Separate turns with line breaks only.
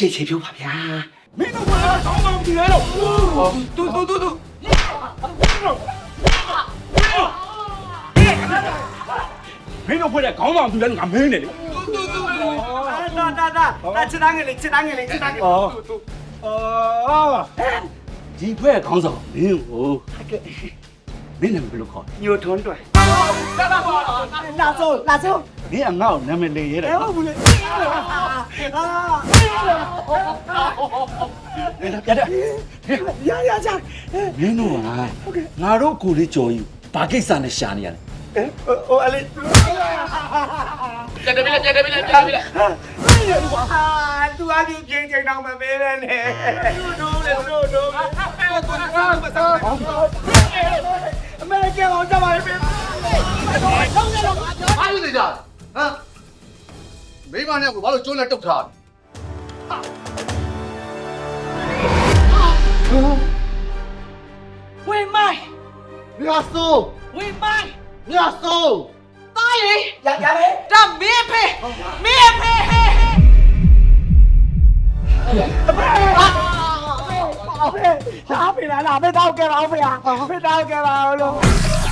ကျေချေဖြုတ်ပါဗျာ
မင်းတို့ကကောင်းမှမကြည့်ရတော့တူမင်းတို့ဖွဲ့တဲ့ခေါင်းဆောင်သူလည်းငါမင်းနေလေ
ဒါချစ်သားငယ်လေးချစ်သားငယ်လေးချစ်သားငယ်လေး
ဒီဖွဲ့ခေါင်းဆောင်မင်းကိုမင်းနာမည်ဘယ်လိုခေါ်
ညိုထွန်းတွယ်
လာဆုံး
မင်းအငါ့ကိုနာမည်လေးရဲတယ်နော်
ဟုတ်ဘူးလေ
ပြတ်တယ်
ရချာ
မင်းတို့ကငါတို့ကိုလေးကြော်ယူဘာကိစ္စနဲ့ရှာနေရလဲ
ဟိုအလေး
ကြက်တယ်ပြီလား
သူအကြီးချင်းချင်းတော့မပေးနဲ့နဲ့တို့အမေကအောင်ကြပါလိမ့်မယ်
ဘာလို့နေကြဟမ်မိမနဲ့ကိုဘာလို့ကျိုးလက်တုတ်ထား
ဝေမိုင်း
မြတ်စိုး
ဝေမိုင်း
မြတ်စိုး
သားလေ
ရလေ
ဒါမင်းဖေဟဲ
သားဖေလာလာဖေတောက်ကြပါဦးဖေဖေတောက်ကြပါဦးလို့